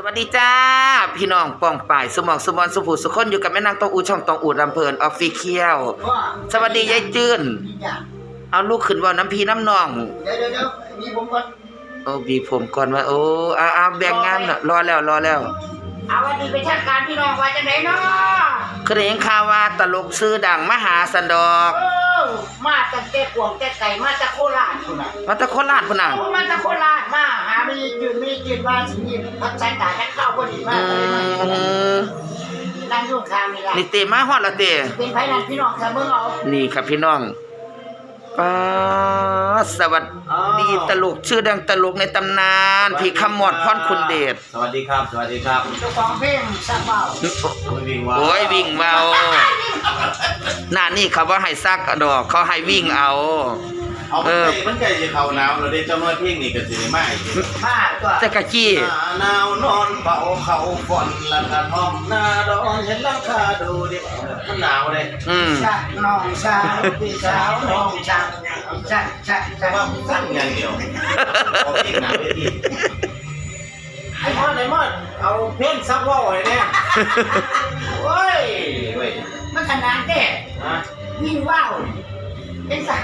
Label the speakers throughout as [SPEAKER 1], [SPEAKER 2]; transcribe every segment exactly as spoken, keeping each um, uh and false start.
[SPEAKER 1] วัสดีจ้าพี่น้องป้องป่ายสมองสมอนสุภูสุคนอยู่กับแม่นางตองอูช่องตองอูดลำเพลินออฟฟิเชียลสวัสดียายจื้นเอาลูกขึ้นว่าน้ำพีน้ำนอง
[SPEAKER 2] เดี๋ยวเดี๋ยวมีผมก่อน
[SPEAKER 1] โอ้บีผมก่อนว่าโอ้อาอาแบ่งงานน่ะรอแล้วรอแล้ว
[SPEAKER 2] เอาวันนี้ไปทางการพี่น้องว่าจะไหนเนาะ
[SPEAKER 1] เคยเห็นข่าวว่าตลกชื่อดังมหาสันดอก
[SPEAKER 2] เออมาจากแก่กวงแก่ไก่มาจากโคราชพุ่นน่ะ
[SPEAKER 1] มาจากโคราชพุ่นน่ะ
[SPEAKER 2] มาจากโคราชมาหามีจืดมีจืดมาสิมีพักสายตาแค่ข้าวพอดีมากเลยมานั่งอยู่ข้างนี่ล่ะ
[SPEAKER 1] นี่เตมาฮอดละเต
[SPEAKER 2] เป็นไผนั่นพี่น้องค่ะเบิ่งเอา
[SPEAKER 1] นี่ครับพี่น้องป้าสวัสดีตลกชื่อดังตลกในตำนานพี่คำมอดพรคุณเดช
[SPEAKER 3] สวัสดีครับสวัสดีครับ
[SPEAKER 2] เจ้าของเพลงซักเบา
[SPEAKER 1] โอ้ยวิ่งเบาหน้านี่เขาว่าให้ซักดอกเขาให้วิ่งเอา
[SPEAKER 3] เออมันใกล้จะเข้าหนาวแล้วได้เจ้าน้อยเพลงนี่ก็สิได้มาอีก
[SPEAKER 2] มาตัว
[SPEAKER 1] แต่กะจี้
[SPEAKER 3] หนาวนอนเฝ้าเขาฝนละกระท่อมหน้าดอนเห็นหลังคาดูดิมันหนาวเลย
[SPEAKER 1] อืม
[SPEAKER 2] ชักน้องสาวพี่สาวน้องชักชักชักชัก
[SPEAKER 3] ว่าสั้นอย่างเดียวพอเพลงหนาวได้ทีไอ้มอดไอ้มอดเอาเพลงซักว่าวไว้เนี่ยโอ้ยเว้ย
[SPEAKER 2] มันขนาดเด้ฮะวิ่งว่าวเป็นสัก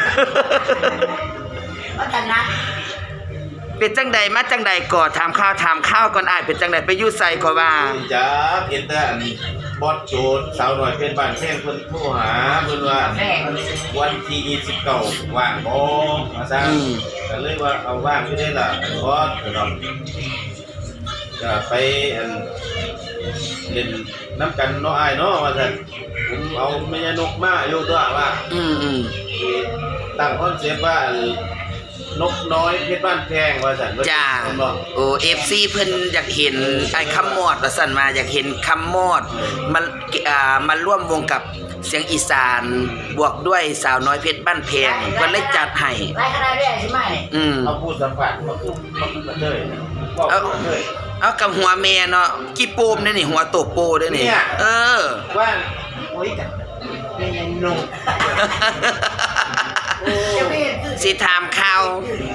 [SPEAKER 2] ว่าขนาด
[SPEAKER 1] เป็นจังใดมาจังใดก่อถามข้าวถามข้าวก่อนอ้ายเป็นจังใดไปอยู่ไสก็ว่า
[SPEAKER 3] จ้าเห็นแต่อันบอสโจดสาวหน่อยเป็นบ้านแท่งเพิ่นโทรหาเพิ่นว่าวันที่ยี่สิบเก้าว่างบ่ว่าซั่นก็เลยว่าเอาว่างอยู่ได้ล่ะบอสก็ต้องจะไปอันเล่นน้ำกันเนาะอ้ายเนาะว่าซั่นผมเอาแม่ยานกมาอยู่ตัวว่า
[SPEAKER 1] อืม
[SPEAKER 3] ๆตั้งคอนเซปต์ว่านกน้อยเพชรบ้านแพงว่าซั่น
[SPEAKER 1] จ้าโอ้ เอฟ ซี เพิ่นอยากเห็นไอ้คำมอดว่าซั่นมาอยากเห็นคำมอดมันอ่ามาร่วมวงกับเสียงอีสานบวกด้วยสาวน้อยเพชรบ้านแพงเพิ่นเลยจัดให้
[SPEAKER 2] หลายขนาดได้ใช่มั้ย
[SPEAKER 1] อืม
[SPEAKER 3] เอาพูดสัมผัสมาคือมาคือกันเลย
[SPEAKER 1] เอาเอากับหัวแม่เนาะกี่โปมเด้นี่หัวโตโปเด้นี่เออ
[SPEAKER 3] ว่าโอ้ยจังแม่ยังหนุ่ม
[SPEAKER 1] สิถามข่าว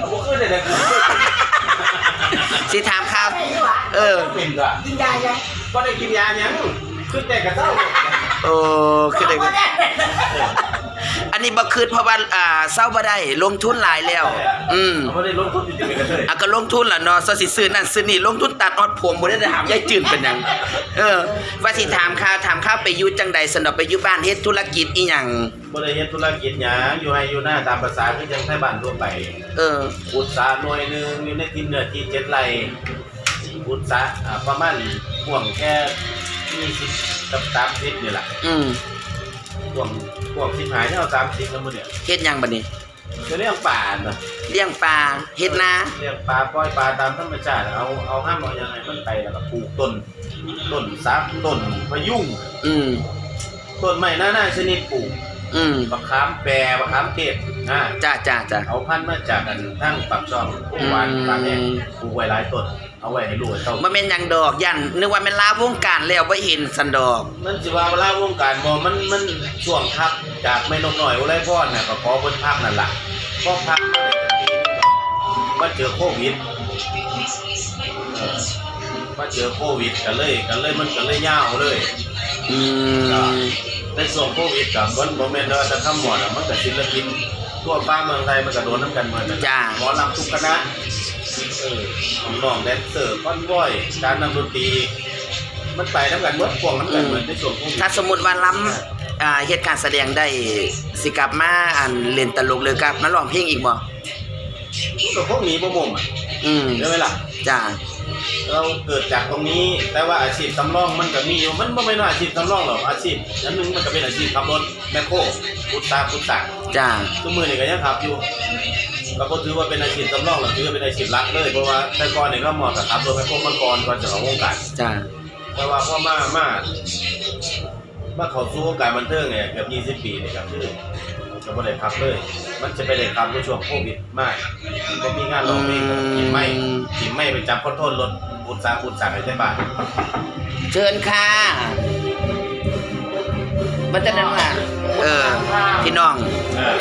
[SPEAKER 1] สิถามข่าวเออ
[SPEAKER 3] กินยายังก็ได้กินยายังคือแต่กระเซ้า
[SPEAKER 1] โอ้คือได้อันนี้บ่คืนเพราะว่าอ่าเศร้าบ่ได้ลงทุนหลายแล้วอืม
[SPEAKER 3] บ่ได้ลงทุนจริงๆกันเลย
[SPEAKER 1] อ่ะก็ลงทุนล่ะเนาะซะสิซื้อนั่นซื้อนี่ลงทุนตัดออดผมบ่ได้ถามยายจื้นเป็นหยังเออว่าสิถามข่าวถามข่าวไปอยู่จังใดสนอกไปอยู่บ้านเฮ็ดธุรกิจอีหยัง
[SPEAKER 3] บ่ได้เฮ็ดธุรกิจหยังอยู่ให้อยู่หน้าตามภาษาคือจังไทบ้านทั่วไป
[SPEAKER 1] เออ
[SPEAKER 3] อุตสาหหน่วยนึงอยู่ในที่เนื้อที่เจ็ดไร่อุตสาหอ่าประมาณห่วงแค่ยี่สิบกับสามสิบนี่ล่ะ
[SPEAKER 1] อืม
[SPEAKER 3] พวกพวกสิบหายเนี่ยเอาสามสิบแล้วมื้อเนี่ย
[SPEAKER 1] เฮ็ดหยังบัดนี้
[SPEAKER 3] จะเลี้ยงปลาเนาะ
[SPEAKER 1] เลี้ยงปลาเฮ็ดนา
[SPEAKER 3] เลี้ยงปลาปล่อยปลาตามธรรมชาติเอาเอาห้ามเอายังไงมันไปแล้วก็ปลูกต้นต้นซักต้นพะยุง
[SPEAKER 1] อืม
[SPEAKER 3] ต้นไม้นานาชนิดปลูก
[SPEAKER 1] อืม
[SPEAKER 3] มะขามแปรมะขามเทศนะ
[SPEAKER 1] จ้าๆๆ
[SPEAKER 3] เอาพันธุ์มาจากกันทั้งปักช่องหวานปลาแห้งปลูกไว้หลายต้นเอาไว้ให้ลูกให้เต้า
[SPEAKER 1] บ่แม่นหยังดอกยันนึกว่าแม่นลาวงการแล้วบ่เห็นสันดอก
[SPEAKER 3] มันสิว่าลาวงการบ่มันมันช่วงพักจากแม่นกน้อยอุไรพรน่ะก็ขอเพิ่นพักนั่นล่ะพอพักมาได้จักปีนึงมาเจอโควิดเออมาเจอโควิดก็เลยก็เลยมันก็เลยยาวเลย
[SPEAKER 1] อืม
[SPEAKER 3] ในช่วงโควิดก็บ่บ่แม่นว่าจะทำหมดอ่ะมันก็ศิลปินทั่วฟ้าเมืองไทยมันก็โดนนำกันหมด
[SPEAKER 1] จ้า
[SPEAKER 3] หมอลำทุกคณะเออน้องแดนเซอร์คอนวอยการนำดนตรีมันไปนำกันหมดพวกนำกันเหมือนในช่วงโควิด
[SPEAKER 1] ถ้าสมมุติว่าล้ำอ่าเฮ็ดการแสดงได้สิกลับมาอันเล่นตลกหรือกลับมาร้องเพลงอีกบ่
[SPEAKER 3] ก็พวกนี้บ่ม่มอ่ะ
[SPEAKER 1] อืม
[SPEAKER 3] ใช่มั้ยล่ะ
[SPEAKER 1] จ้า
[SPEAKER 3] เราเกิดจากตรงนี้แต่ว่าอาชีพสำรองมันก็มีอยู่มันบ่แม่นว่าอาชีพสำรองหรอกอาชีพอันนึงมันก็เป็นอาชีพขับรถแมคโครพุทธาพุทธะ
[SPEAKER 1] จ้า
[SPEAKER 3] ทุกมื้อนี่ก็ยังขับอยู่ก็บ่ถือว่าเป็นอาชีพสำรองหรอกถือว่าเป็นอาชีพหลักเลยเพราะว่าแต่ก่อนนี่ก็เหมาะกับขับรถแมคโครมาก่อนก่อนจะเข้าวงการ
[SPEAKER 1] จ้า
[SPEAKER 3] แต่ว่าพอมามามาเข้าสู่วงการบันเทิงเนี่ยเกือบยี่สิบปีนี่ครับคือก็บ่ได้ขับเลยมันจะไปได้ขับในช่วงโควิดมากบ่มีงานร้องเพลงกินไม่กินไม่ไปจับคอนโทรลรถอุตสาหอุตสาหให้ได้บ้าน
[SPEAKER 1] เชิญค่ะบัดนั้นล่ะเออพี่น้องทักทาย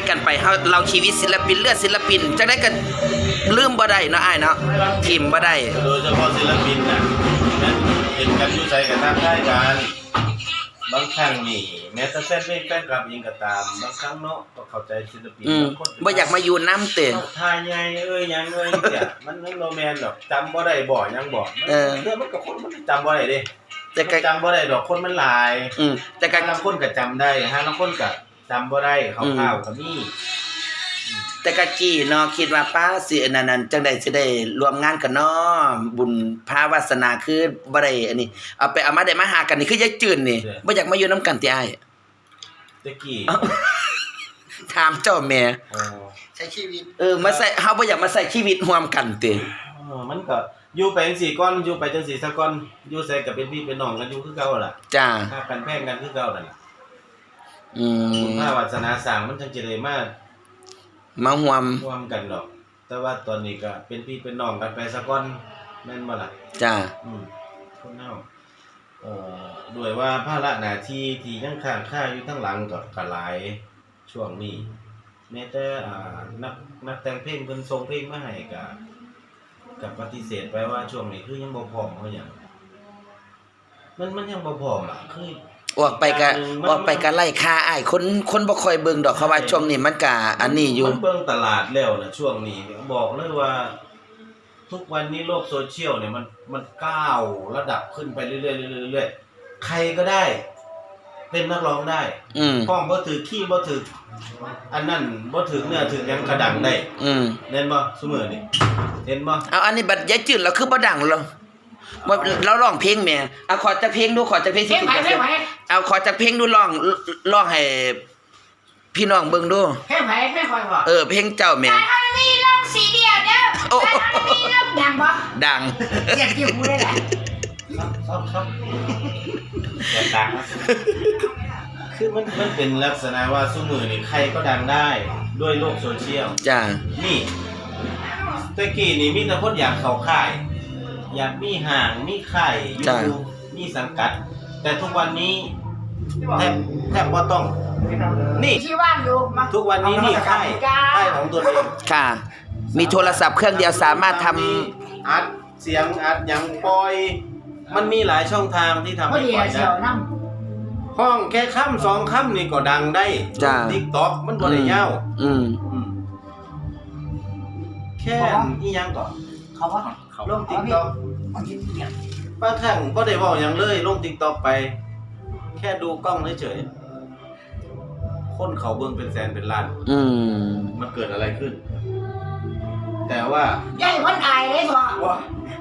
[SPEAKER 1] กันไปเฮาเราชีวิตศิลปินเลือดศิลปินจังได้ก็ลืมบ่ได้เนาะอ้ายเนาะทิมบ่ได้
[SPEAKER 3] โดยเฉพาะศิลปินน่ะนั้นเห็นกันอยู่ใจกันทางได้กันบางครั้งนี่แม้แต่แฟนเพลงแฟนคลับเองก็ตามบางครั้งเนาะก็เข้าใจศิลปิน
[SPEAKER 1] อืม
[SPEAKER 3] บางคน
[SPEAKER 1] บ่อยากมาอยู่น้ำเตะ
[SPEAKER 3] ทายใหญ่เอ้ยยังเอ้ยเนี่ยมันมันโรแมนดอกจำบ่ได้บ่ยังบ่
[SPEAKER 1] เออ
[SPEAKER 3] เรื่องมันกับคนมันจำบ่ได้เด้
[SPEAKER 1] แต่ก็
[SPEAKER 3] จำบ่ได้ดอกคนมันหลาย
[SPEAKER 1] อืมแต่ก็
[SPEAKER 3] บางคนก็จำได้ฮะบางคนก็จำบ่ได้คร่าวๆก็มี
[SPEAKER 1] แต่กะกี้เนาะคิดว่าป้าสิอันนั้นๆจังได๋สิได้ร่วมงานกันเนาะบุญพาวาสนาคือบ่ได้อันนี้เอาไปเอามาได้มาหากันนี่คือยายจืนนี่บ่อยากมาอยู่นํกันติอ้าย
[SPEAKER 3] ตะกี้
[SPEAKER 1] ถามเจ้าแม่
[SPEAKER 3] อ๋อ
[SPEAKER 2] ใช้ชีวิต
[SPEAKER 1] เออมาใส่เฮาบ่อยากมาใส่ชีวิตร่วมกันติ
[SPEAKER 3] เออมันก็อยู่ไปจังซี่ก่อนอยู่ไปจังซี่ซะก่อนอยู่ใส่ก็เป็นพี่เป็นน้องกันอยู่คือเก่าล่ะ
[SPEAKER 1] จ้า
[SPEAKER 3] ถ้ากันแพงกันคือเก่านั่นล่ะ
[SPEAKER 1] อื
[SPEAKER 3] บุญ
[SPEAKER 1] ม
[SPEAKER 3] พาวาสนาสร้างมันจังจะได้มา
[SPEAKER 1] มาร่วม
[SPEAKER 3] ร่วมกันดอก แต่ว่าตอนนี้ก็เป็นพี่เป็นน้องกันไปซะก่อนแม่นบ่ล่ะ
[SPEAKER 1] จ้า
[SPEAKER 3] อืมคนเฮาเอ่อด้วยว่าภาระหน้าที่ที่ยังค้างคาอยู่ทั้งหลังก็ก็หลายช่วงนี้แม้แต่อ่านักนักแต่งเพลงเพิ่นส่งเพลงมาให้ก็ก็ปฏิเสธไปว่าช่วงนี้คือยังบ่พร้อมเฮาหยังมันมันยังบ่พร้อมอ่ะคือ
[SPEAKER 1] ออกไปก็ออกไปก็ไล่ค่าอ้ายคนคนบ่ค่อยเบิ่งดอกเขาว่าช่วงนี้มันก็อันนี้อยู่
[SPEAKER 3] มันเบิ่งตลาดแล้วนะช่วงนี้เนี่ยบอกเลยว่า ทุกวันนี้โลกโซเชียลเนี่ยมันมันก้าวระดับขึ้นไปเรื่อยๆเรื่อยๆเรื่อยๆใครก็ได้ เป็นนักร้องได้
[SPEAKER 1] อืม
[SPEAKER 3] ห้องบ่ถือขี้บ่ถืออันนั้นบ่ถือเนื้อถือหยังกระดังได้
[SPEAKER 1] อืม
[SPEAKER 3] เห็นบ่ซุมื้อนี้เห็นบ่
[SPEAKER 1] เอาอันนี้บัดยายจืดเราคือบ่ดังเราบ่เราร้องเพลงแหม่เอาขอจักเพลงดูขอจักเพลง
[SPEAKER 2] เพลงไผเพลงไผ
[SPEAKER 1] เอาขอจักเพลงดูร้องร้องให้พี่น้องเบิ่งดู
[SPEAKER 2] เพลงไผเพลงคอยบ่
[SPEAKER 1] เออเพลงเจ้าแหม่
[SPEAKER 2] การฮานีลองสีเดียวเด้อการฮานีลองดังบ่
[SPEAKER 1] ดัง
[SPEAKER 2] เรียกที่หูได้แหละ
[SPEAKER 3] ซับซับแต่ต่างนะคือมันมันเป็นลักษณะว่าซุมื้อนี้ใครก็ดังได้ด้วยโลกโซเชียล
[SPEAKER 1] จ้า
[SPEAKER 3] นี่ตะกี้นี่มีแต่คนอยากเข้าค่าย อยากมีห่างมีค่ายอยู่มีสังกัด แต่ทุกวันนี้แทบแทบบ่ต้อง นี่
[SPEAKER 2] ที่ว่างอยู่มา
[SPEAKER 3] ทุกวันนี้นี่ค่ายค่ายของตัวเอง
[SPEAKER 1] ค่ะ มีโทรศัพท์เครื่องเดียวสามารถทำ
[SPEAKER 3] อัดเสียงอัดหยังปล่อย มันมีหลายช่องทางที่ทำ
[SPEAKER 2] พอ
[SPEAKER 3] ให้
[SPEAKER 2] ดี
[SPEAKER 3] ปล่อย
[SPEAKER 2] เสี
[SPEAKER 3] ได้
[SPEAKER 2] ยวน้ำ
[SPEAKER 3] ห้องแค่ค่ำสองค่ำนี่ก็ดังได้
[SPEAKER 1] จ้ะ
[SPEAKER 3] TikTok มันบ่ได้ยาว
[SPEAKER 1] อืม
[SPEAKER 3] อืมแค่อีหยังก่อน
[SPEAKER 2] เขาว่า
[SPEAKER 3] ลง TikTok บางครั้งบ่ได้เว้าหยังเลยลง TikTok ไป แค่ดูกล้องเฉยๆคนเขาเบิ่งเป็นแสนเป็นล้าน
[SPEAKER 1] อืม
[SPEAKER 3] มันเกิดอะไรขึ้น แต่ว่า
[SPEAKER 2] ย่ายวันอายเลยบ่
[SPEAKER 3] ว่า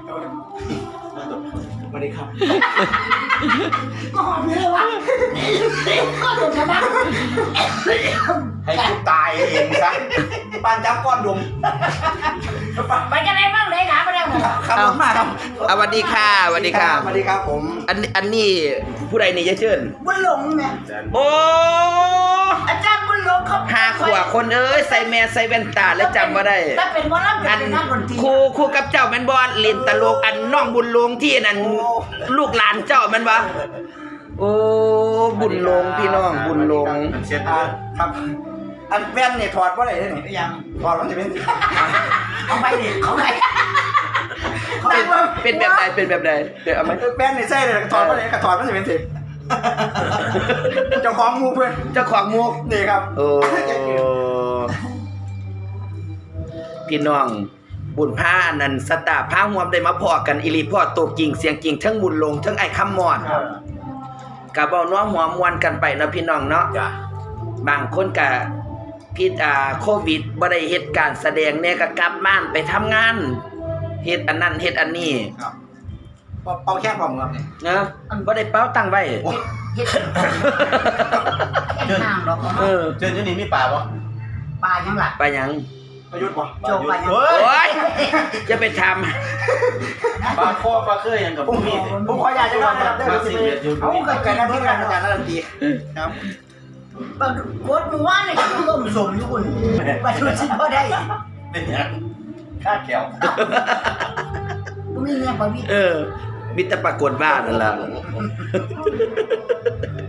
[SPEAKER 3] สวัสดีครับ
[SPEAKER 2] ก็หอมเลยวะก็ถูกชนะ
[SPEAKER 3] ให้กูตายเองซะปานจับก้อนดม
[SPEAKER 2] ไปกันไหนบ้างเลยขาไปแล้ว
[SPEAKER 3] ขับรถมาครับ
[SPEAKER 1] เอาสวัสดีค่ะสวัสดีค่ะ
[SPEAKER 3] สวัสดีครับผม
[SPEAKER 1] อันอันนี้ผู้ใดนี่ยายเชิญ
[SPEAKER 2] บุญหลงเนี่ย
[SPEAKER 1] โอ้
[SPEAKER 2] อาจารย์บุญหลงเขา
[SPEAKER 1] หาขวบคนเอ้ยใส่แมสใส่แว่นตาแล้วจำบ่ได้
[SPEAKER 2] ถ้าเป็นหมอลำ
[SPEAKER 1] อั
[SPEAKER 2] เป็น นนักดนตรี
[SPEAKER 1] ครูครูกับเจ้าแม่นบ่เล่นตลกอันน้องบุญหลงที่นั่นลูกหลานเจ้าแม่นบ่โอ้บุญหลงพี่น้องบุญหลง
[SPEAKER 3] มันเช็ด
[SPEAKER 4] อ่าครับ อันแว่นเนี่ยถอดว่าไหนได้นี่
[SPEAKER 2] ยัง
[SPEAKER 4] ถอดมันจะเป็น
[SPEAKER 2] เขาไปดิเขาไป
[SPEAKER 1] เป็นเป็นแบบใดเป็นแบบใดเดี๋ยวเอามา
[SPEAKER 4] แว่นเนี่ยใช่เลยถอดว่าไหนก็ถอดมันจะเป็นสิเจ้าของงูเพื่อน
[SPEAKER 1] เจ้าของมุก
[SPEAKER 4] นี่ครับ
[SPEAKER 1] โอ้พี่น้องบุญผ้าอันนั้นสตาร์ผ้าห่วมได้มาพอกันอีหลีพ่อตัวจริงเสียงจริงทั้งบุญหลงทั้งไอ้คำมอดก็เว้าน้อมหัวมวนกันไปเนาะพี่น้องเนาะ
[SPEAKER 3] จ้ะ
[SPEAKER 1] บางคนก็พิษอ่าโควิดบ่ได้เฮ็ดการแสดงเนี่ยก็กลับบ้านไปทำงานเฮ็ดอันนั้นเฮ็ดอันนี้
[SPEAKER 4] ครับเป่าแค่ผมครับเนี่ย
[SPEAKER 1] นะบ่ได้เป้าตังไว้
[SPEAKER 2] เฮ็ดเฮ็ดห่างดอก
[SPEAKER 1] เออ
[SPEAKER 3] เชิญเจ้านี่มีป่าปะ
[SPEAKER 2] ปลายังล่ะ
[SPEAKER 1] ไปหยัง
[SPEAKER 4] ประยุทธ์ป่ะ
[SPEAKER 2] โจไปยัง
[SPEAKER 3] เฮ้ย
[SPEAKER 1] โอ้ยจะไปทำ
[SPEAKER 3] ปลาคอปลาเคยยังกับ
[SPEAKER 4] ผม
[SPEAKER 3] มีด
[SPEAKER 4] ผมขออยากจะว่านะครับได้
[SPEAKER 3] มา
[SPEAKER 4] สิ
[SPEAKER 3] สิเอ็ดอยู่
[SPEAKER 4] เอาเกิดการนั่นที่การอาจารย์นักดนตรีครับ
[SPEAKER 2] ปลากดมือว่านเลยก็ต้มสมอยู่คุณไปดูสิบ่ได้
[SPEAKER 3] เป็นยังคาดแก้ว
[SPEAKER 2] บ่มีเงี้ยบ่มี
[SPEAKER 1] เออมีแต่ปรากฏบ้านนั่นล่ะ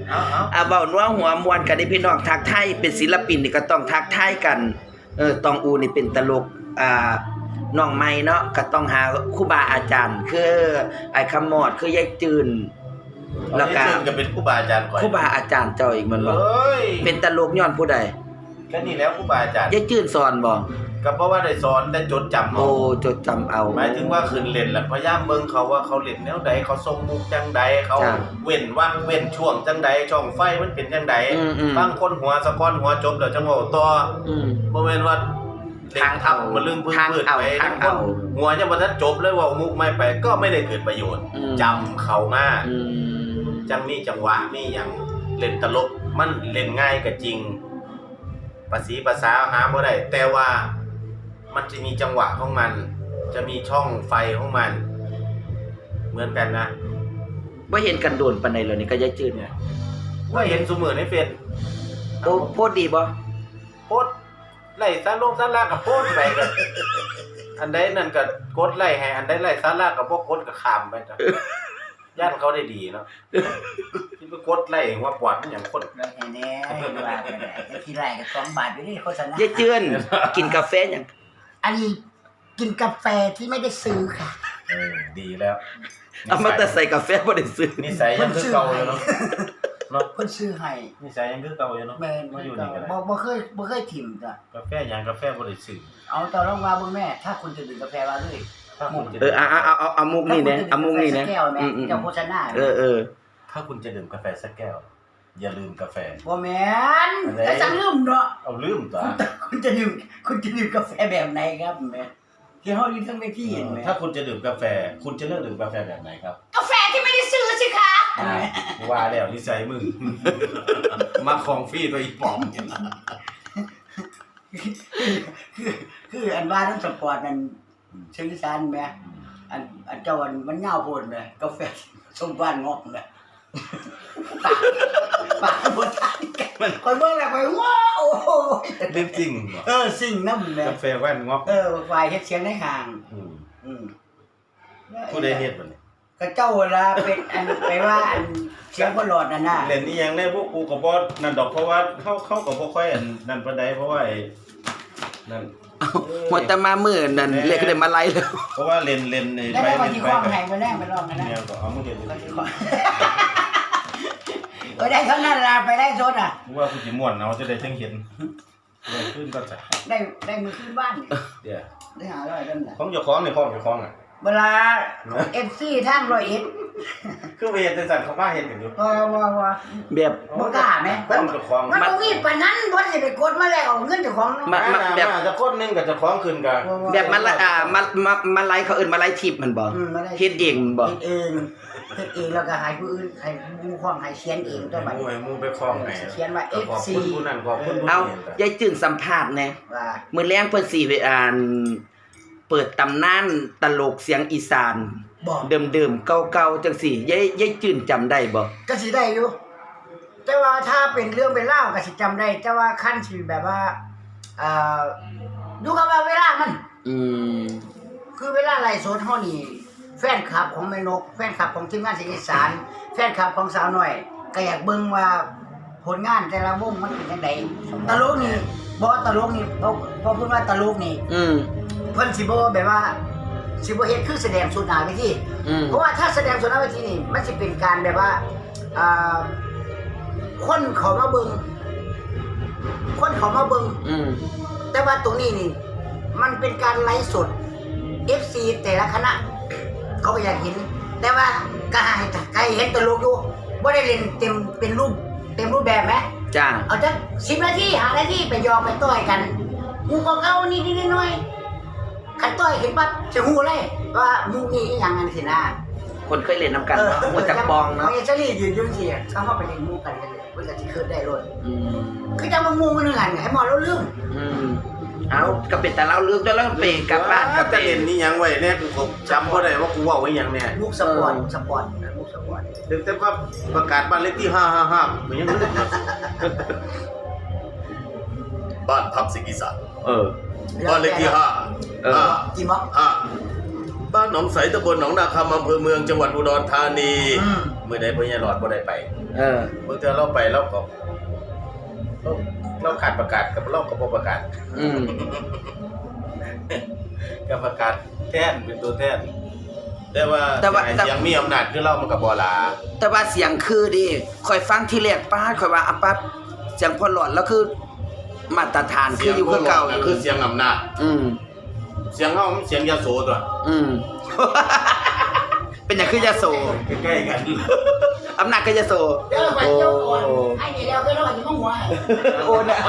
[SPEAKER 3] เอาเอา
[SPEAKER 1] อ่ะเว้านัวหัวมวนกันนี่พี่น้องทักทายเป็นศิลปินนี่ก็ต้องทักทายกันเออตองอูนี่เป็นตลกอ่าน้องใหม่เนาะก็ต้องหาครูบาอาจารย์คือไอ้คำมอดคือยายจืน
[SPEAKER 3] แล้
[SPEAKER 1] แล้ว ว
[SPEAKER 3] ก็
[SPEAKER 1] ก็
[SPEAKER 3] ก็เป็นครูบาอาจารย์ก่อน
[SPEAKER 1] ครูบาอาจารย์เจ้าอีกแมันบ่
[SPEAKER 3] เอ้ย
[SPEAKER 1] เป็นตลกย้อนผู้ใด
[SPEAKER 3] ก็นี่แล้วครูบาอาจารย์
[SPEAKER 1] ยายจืนสอนบ่
[SPEAKER 3] ก็เพราะว่าได้สอนได้จดจำ
[SPEAKER 1] โอ้
[SPEAKER 3] เอา
[SPEAKER 1] จดจำเอา
[SPEAKER 3] หมายถึงว่าคืนเล่นแหละพยายามเบิ่งเขาว่าเขาเล่นแนวใดเขาทรงมุกจังใดเขา
[SPEAKER 1] จ้ะ
[SPEAKER 3] เว้นว่างเว้นช่วงจังใดช่องไฟมันเป็นจังใด
[SPEAKER 1] อืมอืม
[SPEAKER 3] บางคนหัวสะก้อนหัวจบแล้วจังเว้าต่อ
[SPEAKER 1] อืม
[SPEAKER 3] บ่แม่นว่าเล่นทับมันลืมพื้น
[SPEAKER 1] ทาง
[SPEAKER 3] พืช
[SPEAKER 1] เอา
[SPEAKER 3] ไป
[SPEAKER 1] ทาง
[SPEAKER 3] ทั้งค
[SPEAKER 1] เอา
[SPEAKER 3] นหัวยังบ่ทันจบเลยเว่ามุกไม่ไปก็ไม่ได้เกิดประโยชน์
[SPEAKER 1] อืม
[SPEAKER 3] จำเขามา
[SPEAKER 1] อืม
[SPEAKER 3] จังมีจังหวะมีหยังเล่นตลกมันเล่นง่ายก็จริงภาษีภาษาหาบ่ได้แต่ว่ามันจะมีจังหวะของมัน จะมีช่องไฟของมัน เหมือนกันนะ
[SPEAKER 1] บ่เห็นกันโดนปานใดแล้วนี่ก็ยายจืนเนี่ย
[SPEAKER 3] ว่าเห็นซุมื้อในเฟซ
[SPEAKER 1] โอ้โพดดีบ่
[SPEAKER 3] โพสต์ไล่สาลงสารากับโพสต์ไปกันอันใดนั่นก็กดไล่ให้อันใดไล่สารากับบ่กดก็ข้ามไปจ้ะย่านเขาได้ดีเนาะที่ไปกดไล่หัวปอดมันหยังคน
[SPEAKER 2] แล้วแน่ๆว่าไปได้แต่ทีไรก็สองบาทอยู่นี่โฆษณาย
[SPEAKER 1] ายจืนกินกาแฟหยัง
[SPEAKER 2] อันนี้กินกาแฟที่ไม่ได้ซื้อค่ะ
[SPEAKER 3] เออดีแล้ว
[SPEAKER 1] เอามาแต่ใส่กาแฟบ่ได้ซื้อ
[SPEAKER 3] นิสัยยังคือเก่าอยู่เนาะเนาะ
[SPEAKER 2] เพิ่นซื้อให้
[SPEAKER 3] นิสัยยังคือเก่าอยู่เนาะ
[SPEAKER 2] แม่น
[SPEAKER 3] มา
[SPEAKER 2] บ่
[SPEAKER 3] อยู่นี่ก็ได้
[SPEAKER 2] บ่บ่เคยบ่เคยถิ่มจ้ะ
[SPEAKER 3] กาแฟหยังกาแฟบ่ได้ซื้อ
[SPEAKER 2] เอาต่อรองมาเบิ่งแม่ ถ้าคุณจะดื่มกาแฟมาเลย
[SPEAKER 3] ถ้าคุณจะ
[SPEAKER 1] เออเอาเอาเอาเอาเอามุกนี่นะเอามุกนี่นะ
[SPEAKER 2] ถ้าคุณจะดื่มกาแฟสักแก้วแม่
[SPEAKER 1] อืมอืม
[SPEAKER 2] เจ้าโฆษณา
[SPEAKER 1] เออเออ
[SPEAKER 3] ถ้าคุณจะดื่มกาแฟสักแก้ว อย่าลืมกาแฟ
[SPEAKER 2] บ่แม่น
[SPEAKER 3] อะไร
[SPEAKER 2] แต่จังลืมเนาะ
[SPEAKER 3] เอาลืมตัว
[SPEAKER 2] คุณจะดื่มคุณจะดื่มกาแฟแบบไหนครับแม่ที่เฮาอยู่ทั้งเวทีเห็นไหม
[SPEAKER 3] ถ้าคุณจะดื่มกาแฟ คุณจะเลือกดื่มกาแฟแบบไหนครับ
[SPEAKER 2] กาแฟที่ไม่ได้ซื้อสิคะ
[SPEAKER 3] อ่าว่าแล้วนิสัยมึง มาของฟรีตัวอีปอม
[SPEAKER 2] คือคืออันว่าทั้งสปอร์ตนั่นเชิงอีสานแม่อันอันเจ้าอันมันยาวโพดแม่กาแฟสมบ้านงอกแม่ปากปากบ่ทันกันมันคอยเบิ่งแล้วคอยว้าวโอ้โห
[SPEAKER 3] เรื่องจริงเหรอ
[SPEAKER 2] เออสิ่งนำแม่
[SPEAKER 3] กาแฟแว่นงอก
[SPEAKER 2] เออฝ่ายเฮ็ดเสียงในห่าง
[SPEAKER 3] อืม
[SPEAKER 2] อืม
[SPEAKER 3] ผู้ใดเฮ็ดบ่เนี่ย
[SPEAKER 2] ก็เจ้าเวลาเป็นอันไปว่าอันเสียงบ่หลอดนั่นน่ะ
[SPEAKER 3] เล่นนี่ยังได้พวกกูก็บ่นั่นดอกเพราะว่าเข้าเข้าก็บ่ค่อยอันนั่นปานใดเพราะว่าไอ้นั่น
[SPEAKER 1] หัวแต่มามื้อนั่นเรียกได้มาไล่แล้ว
[SPEAKER 3] เพราะว่าเล่นเล่นใน
[SPEAKER 2] แล้ว
[SPEAKER 3] ไป
[SPEAKER 2] ได้วัน
[SPEAKER 3] เล่น
[SPEAKER 2] ที่
[SPEAKER 3] ไป
[SPEAKER 2] คล้อง
[SPEAKER 3] กับ
[SPEAKER 2] ให้บ่แรงไปลองกันนะ
[SPEAKER 3] แนวก็เอามาเล่น
[SPEAKER 2] ก็สิขอเออได้เท่านั้นล่ะไปได้โซนอ่ะ
[SPEAKER 3] กูว่ากูสิม่วนเอาจะได้จังเห็นเลยขึ้นก็จะ
[SPEAKER 2] ได้ได้มือขึ้นบ้านนี่
[SPEAKER 3] เดี๋ยว
[SPEAKER 2] ได้หาร้อยนั่นน่ะ
[SPEAKER 3] ของเจ้าของนี่ของเจ้าของอ่ะ
[SPEAKER 2] เวลา เอฟ ซี ทางร้อยเอ็ด
[SPEAKER 3] คือไปเฮ็ดจังซั่นเขามาเฮ็ดกันอยู่
[SPEAKER 2] ว่าว่าว่า
[SPEAKER 1] แบบ
[SPEAKER 2] บ่กล้าแม่
[SPEAKER 3] ของเจ้าของ
[SPEAKER 2] มันบ่มีปานนั้นบ่สิไปกดมาแล้วเอาเงินเจ้าของเนาะ
[SPEAKER 1] มา
[SPEAKER 3] มา
[SPEAKER 1] แบบ
[SPEAKER 3] มาจะคนหนึงกับเจ้าของขึ้นกัน
[SPEAKER 1] แบบมาละอ่ามามามาไล่เขาเอิ้นมาไล่ทิปมันบ่
[SPEAKER 2] อืมมาได้
[SPEAKER 1] เฮ็ดเองมันบ่
[SPEAKER 2] เฮ็ดเองเฮ็ดเองแล้วก็ให้ผู้อื่นให้ผู้ครองให้เขียนเองตัวบัด
[SPEAKER 3] มู
[SPEAKER 2] นี้
[SPEAKER 3] ให้มูไปคล้องให้
[SPEAKER 2] เขียนว่า
[SPEAKER 3] ขอบ
[SPEAKER 2] เอฟ ซี
[SPEAKER 3] คุณผู้นั้นขอบคุณผู้
[SPEAKER 1] เอา
[SPEAKER 3] นี้
[SPEAKER 1] ยายจืนสัมภาษณ์แหน่
[SPEAKER 2] ว่า
[SPEAKER 1] มื้อแลงเพิ่นสิไปอ่านเปิดตำนานตลกเสียงอีสาน
[SPEAKER 2] บอก
[SPEAKER 1] เดิมๆเก่าๆจังซี่ยายยายจืนจำได้บ่
[SPEAKER 2] ก็สิได้อยู่ แต่ว่าถ้าเป็นเรื่องเป็นเล่าวก็สิจำได้ แต่ว่าขั้นสิแบบว่าเอ่อดูกับว่าเวลามัน
[SPEAKER 1] อืม
[SPEAKER 2] คือเวลาไลฟ์สดเฮานี่แฟนคลับของแม่นก แฟนคลับของทีมงานเสียงอีสาน แฟนคลับของสาวน้อย ก็อยากเบิ่งว่าผลงานแต่ละวงมันเป็นจังไดตลกนี่บ่ตลกนี่บ่บ่พูดว่าตลกนี่
[SPEAKER 1] อืม
[SPEAKER 2] เพิ่นสิบ่แบบว่าสิบ่เฮ็ดคือแสดงสุดหน้าเวที
[SPEAKER 1] อืม
[SPEAKER 2] เพราะว่าถ้าแสดงสุดหน้าเวทีนี่มันสิเป็นการแบบว่าอ่าคนเขามาเบิ่งคนเขามาเบิ่ง
[SPEAKER 1] อืม
[SPEAKER 2] แต่ว่าตรงนี้นี่มันเป็นการไลฟ์สด เอฟ ซี แต่ละคณะเขาก็อยากเห็น แต่ว่าก็ให้ใครเห็นตลกอยู่บ่ได้เล่นเต็มเป็นรูปเต็มรูปแบบไหม
[SPEAKER 1] จ้า
[SPEAKER 2] เอาจักสิบนาทีห้านาทีไปยอมไปต่อยกันมูก็เก่าๆนิดๆหน่อยๆคันต่อยเห็นปั๊บจะฮู้เลยว่ามูนี่อีหยังกันสินะ
[SPEAKER 1] คนเคยเล่นนํกันเนาะหัวจักปองเนาะ
[SPEAKER 2] เอเจลี่ยืนอยู่สิเขาเข้าไปเล่นมูกันกันเลยเพิ่นก็สิเคิดได้โลด
[SPEAKER 1] อืม
[SPEAKER 2] คือจังว่ามูมันนึงอันให้หมอเราลืม
[SPEAKER 1] อืมเอาก็เป็นแต่เล่าเรื่องด้วยแล้วไปกลับบ้านกลับ
[SPEAKER 3] จะ
[SPEAKER 1] ไป
[SPEAKER 3] เล่นนี่ยังไว้เนี่ยกูจำบ่ได้ว่ากูเว้าไว้หยังแน่
[SPEAKER 2] มุกสปอร์ตสปอร์ตมุกสปอร์ต
[SPEAKER 3] ถึงแต่ว่าประกาศบ้านเลขที่ห้าห้าห้ามันยังลืม
[SPEAKER 5] บ้านพักสิงห์อีสาน
[SPEAKER 1] เออ
[SPEAKER 5] บ้านเลขที่ห้า
[SPEAKER 1] เออ
[SPEAKER 5] ห้า
[SPEAKER 2] กี่ม็อก
[SPEAKER 5] ห้า
[SPEAKER 3] บ้านหนองใสตำบลหนองนาคำอำเภอเมืองจังหวัดอุดรธานี
[SPEAKER 2] อืม
[SPEAKER 3] เมื่อใดพ่อใหญ่หลอดบ่ได้ไป
[SPEAKER 1] เออ
[SPEAKER 3] เมื่อเธอเราไปเราก็เราเราขาดประกาศกับเราก็บ่ประกาศ
[SPEAKER 1] อืม
[SPEAKER 3] กับประกาศแทนเป็นตัวแทนแต่ว่า
[SPEAKER 1] แต่ว่า
[SPEAKER 3] ไอ้เสียงมีอำนาจคือเรามันก็บ่หลา
[SPEAKER 1] แต่ว่าเสียงคือดิคอยฟังที่แรกป้าคอยว่าอ่ะป้าเสียงพอหลอดแล้วคือมาตรฐานคืออยู่คือเก่า
[SPEAKER 3] คือเสียงอำนาจ
[SPEAKER 1] อืม
[SPEAKER 3] เสียงเฮามันเสียงยโสตัว
[SPEAKER 1] อืม เป็นอย่างคือยาโส
[SPEAKER 3] ใกล้ๆกัน
[SPEAKER 1] อำนาจก็ยาโส
[SPEAKER 2] เจ้าไปเจ้าก่อนไอ้นี่แล้วก็รอดอยู่มั่งหัว
[SPEAKER 1] โอ้นะ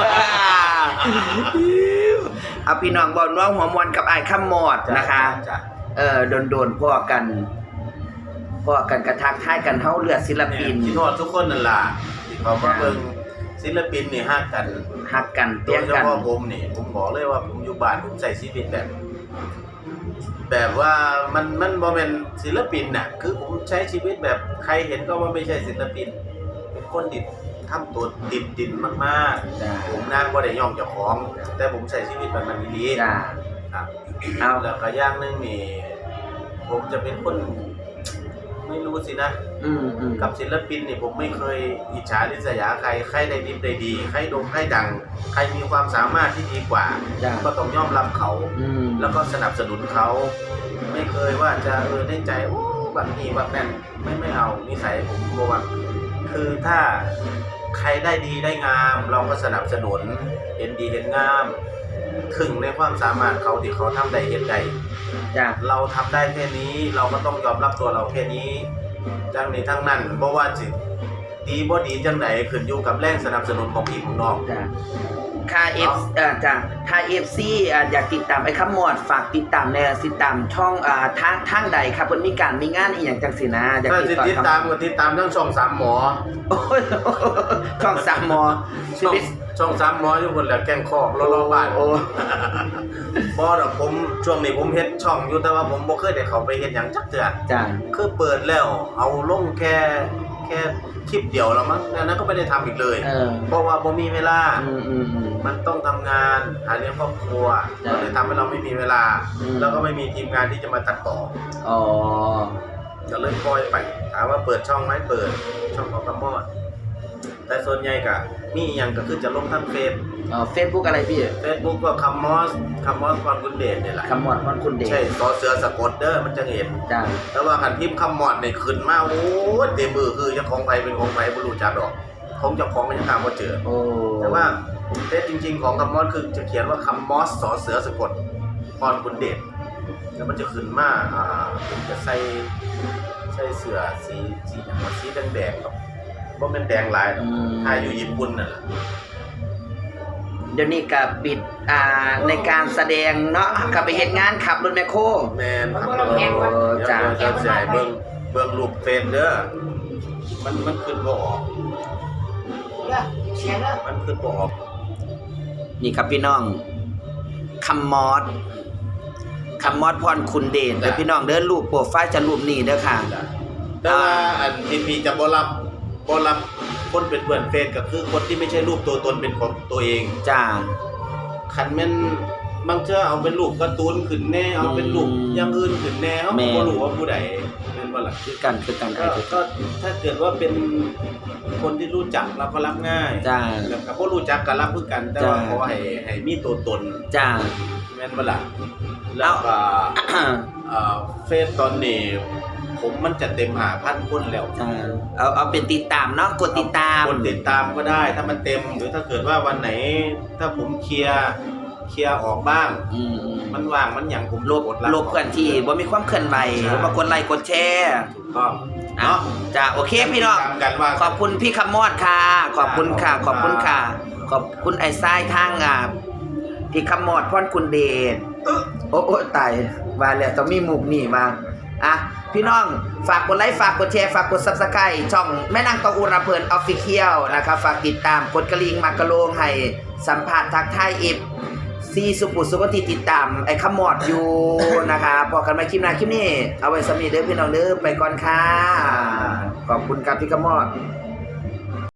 [SPEAKER 1] เอาพี่น้องบอกน้องหัวมวนกับไอ้ายข้ามมอดนะคะ
[SPEAKER 3] จ้ะ
[SPEAKER 1] เออโดนๆพ่อกันพ่อกันกระทักทายกันเฮาเลือดศิลปิน
[SPEAKER 3] คิดฮอดทุกคนนั่นล่ะที่เขามาเบิ่งศิลปินนี่ฮักกัน
[SPEAKER 1] ฮักกัน
[SPEAKER 3] โด
[SPEAKER 1] เปี้ย
[SPEAKER 3] ย
[SPEAKER 1] ง
[SPEAKER 3] เฉ
[SPEAKER 1] กัน
[SPEAKER 3] พาะผมนี่ผมบอกเลยว่าผมอยู่บ้านผมใส่ชีวิตแบบ แบบว่ามันมันบ่แม่นศิลปินน่ะคือผมใช้ชีวิตแบบใครเห็นก็ว่าไม่ใช่ศิลปิน เป็นคนดิบทำตัวดิบดินมาก
[SPEAKER 1] จ้า
[SPEAKER 3] ๆผมนั่งบ่ได้ย่องเจ้าของ แต่ผมใช้ชีวิตแบบมันดีๆ
[SPEAKER 1] จ้า
[SPEAKER 3] ครับ
[SPEAKER 1] เอา
[SPEAKER 3] แล้วก็อย่างหนึงนี่ผมจะเป็นคนไม่รู้สินะ
[SPEAKER 1] อืมอืม
[SPEAKER 3] กับศิลปินนี่ผมไม่เคยอิจฉาริษยาใครใครได้ดีได้ดีใครโด่งใครดัง ใครมีความสามารถที่ดีกว่า
[SPEAKER 1] จ้า
[SPEAKER 3] ก็ต้องยอมรับเขา
[SPEAKER 1] อืม
[SPEAKER 3] แล้วก็สนับสนุนเขา ไม่เคยว่าจะเออในใจโอ้แบบนี้แบบนั้นไม่ไม่เอานิสัยผมโมว่าคือถ้าใครได้ดีได้งาม เราก็สนับสนุนเห็นดีเห็นงาม ถึงในความสามารถเขาที่เขาทำได้เห็นได้
[SPEAKER 1] จ้า
[SPEAKER 3] เราทำได้แค่นี้เราก็ต้องยอมรับตัวเราแค่นี้จังนี้ทั้งนั้นเพราะว่าสิดีบ่ดีจังไหนขึ้นอยู่กับแรงสนับสนุนของพี่ของน้อง
[SPEAKER 1] จ้าค่าเอฟเอ่อจ้าถ้าเอฟซีอ่าอยากติดตามไอ้ข้ามมอดฝากติดตามในติดตามช่องอ่าทางทางใดครับเพิ่นมีการมีงานอีหยังจังซี่นะอยาก
[SPEAKER 3] ถ้า
[SPEAKER 1] ติด
[SPEAKER 3] สิ
[SPEAKER 1] ต่อ
[SPEAKER 3] ติด
[SPEAKER 1] ทาง
[SPEAKER 3] ตามก็ติดตามทั้งช่องสามหมอ
[SPEAKER 1] โอ้ยช่องสามมอชี
[SPEAKER 3] ช่อง
[SPEAKER 1] วิต
[SPEAKER 3] ช่องสามหมออยู่คนแหละแกล้งคอกรอๆบ้าน
[SPEAKER 1] โอ้
[SPEAKER 3] บ่ดอกผมช่วงนี้ผมเฮ็ดช่องอยู่แต่ว่าผมบ่เคยได้เข้าไปเฮ็ดหยังจักเทื่อ
[SPEAKER 1] จ้า
[SPEAKER 3] คือเปิดแล้วเอาลงแค่แค่คลิปเดียวแล้วมั้งแล้วนั้นก็ไม่ได้ทำอีกเลย
[SPEAKER 1] เออ
[SPEAKER 3] เพราะว่าบ่มีเวลา
[SPEAKER 1] อืมอืมอืม
[SPEAKER 3] มันต้องทำงานหาเลี้ยงครอบครัว
[SPEAKER 1] จ้ะ
[SPEAKER 3] ก็เลยทำให้เราไม่มีเวลา
[SPEAKER 1] อืม
[SPEAKER 3] แล้วก็ไม่มีทีมงานที่จะมาตัดต่อ
[SPEAKER 1] อ๋อ
[SPEAKER 3] ก็เลยปล่อยไปถามว่าเปิดช่องไหมเปิดช่องของกระมอดแต่ส่วนใหญ่ก็มีอหย่างก็คือจะลงทางเฟซ
[SPEAKER 1] อ๋อเฟซบุ๊กอะไรพี่
[SPEAKER 3] เฟซบุ๊กก็คัมมอสคัมมอสความกุนเดชเนี่ยแหละ
[SPEAKER 1] คำมอดพรคุณเดช
[SPEAKER 3] ใช่ซอเสือสะกดเด้อมันจะเห็น
[SPEAKER 1] จ้า
[SPEAKER 3] แต่ว่าคันพิมพ์คัมมอดเนี่ยขึ้นมาโอ้ยเต็มมือคือเจ้าของไผเป็นของไผบ่รู้จักดอกของเจ้าของก็ยังหาบ่เจอ
[SPEAKER 1] โอ้
[SPEAKER 3] แต่ว่าเฟซจริงๆของคัมมอสคือจะเขียนว่าคัมมอสสอเสือสะกดพรกุนเดชแล้วมันจะขึ้นมาอ่าผมจะใส่ใส่เสื้อสีสีหยังวะสีแดงๆครับบ่แม่นแดงหลายหรอกถ้าอยู่ญี่ปุ่นน่ะล่ะ
[SPEAKER 1] เดี๋ยวนี้ก็ปิดอ่าในการแสดงเนาะก็ไปเฮ็ดงานขับรถแมคโคร
[SPEAKER 3] แม่นครับ
[SPEAKER 2] มันบ่ได้แพงวะ
[SPEAKER 1] โอ้
[SPEAKER 3] เดี๋ยว
[SPEAKER 1] จ้า
[SPEAKER 3] เดี๋ยวจะให้เบิ่งเบิ่งรูปเฟซเด้อมันมันขึ้นบ่ออก
[SPEAKER 2] เสียแล้ว
[SPEAKER 3] มันขึ้นบ่ออก
[SPEAKER 1] นี่ครับพี่น้องคำมอดคำมอดพรคุณเดชเดี๋ยวพี่น้องเดินรูปโปรไฟล์จะรูปนี้เด้อค่ะ
[SPEAKER 3] แต่ว่าอันที่พี่จะบ่รับบ่รับคนเป็นเพื่อนเฟซก็คือคนที่ไม่ใช่รูปตัวตนเป็นของตัวเอง
[SPEAKER 1] จ้า
[SPEAKER 3] คันแม่นบางเทื่อเอาเป็นรูปการ์ตูนขึ้นแน่เอาเป็นรูปอย่างอื่นขึ้นแน่เฮาก็บ่รู้ว่าผู้ใดแม่นบ่ล่ะ
[SPEAKER 1] คือกันคือกันไอ้
[SPEAKER 3] ก็
[SPEAKER 1] คือ
[SPEAKER 3] ก็ถ้าเกิดว่าเป็นคนที่รู้จักเราก็รับง่าย
[SPEAKER 1] จ้า
[SPEAKER 3] แล้วก็บ่รู้จักก็รับคือกัน แต่ว่า
[SPEAKER 1] จ้า
[SPEAKER 3] ขอให้ให้มีตัวตน
[SPEAKER 1] จ้า
[SPEAKER 3] แม่นบ่ล่ะแล้วก็เอ่อเฟซตอนนี้ผมมันจะเต็มห้าพันคนแล้ว
[SPEAKER 1] จ้าเอาเอาเป็นติดตามเนาะกดติดตาม
[SPEAKER 3] คนติดตามก็ได้ถ้ามันเต็มหรือถ้าเกิดว่าวันไหน ถ้าผมเคลียร์เคลียร์ออกบ้าง
[SPEAKER 1] อืมอืม
[SPEAKER 3] มันว่างมันหยังผม
[SPEAKER 1] ลบ
[SPEAKER 3] กดรับ
[SPEAKER 1] ลบเพื่อนที่บ่มีความเคลื่อนไหว
[SPEAKER 3] ใช่
[SPEAKER 1] บ่กดไลค์กดแชร์
[SPEAKER 3] ถูกต้อง
[SPEAKER 1] เนาะ
[SPEAKER 3] เนาะ
[SPEAKER 1] จ้าโอเคพี่น้อง
[SPEAKER 3] ตามกันว่า
[SPEAKER 1] ขอบคุณพี่คำมอดค่ะ ขอบคุณค่ะ ขอบคุณค่ะ ขอบคุณไอ้ทรายทางอ่ะพี่คำมอดพรคุณเดชโอ้โอ้ตายว่าแล้วต้องมีมุกนี่มาอ่ะพี่น้องฝากกดไลค์ฝากกดแชร์ฝากกด Subscribe ช่องแม่นางตองอุราเพลิน Official นะครับฝากติดตามกดกระลิ่งมากระโลงให้สัมภาษณ์ทักทายอีฟซีสุปุสุปฏิติดตามไอ้คำมอดอยู่นะคะพอกันใหม่คลิปหน้าคลิปนี้เอาไว้สำหรับเด้อพี่น้องเด้อไปก่อนค่ะขอบคุณครับพี่คำมอด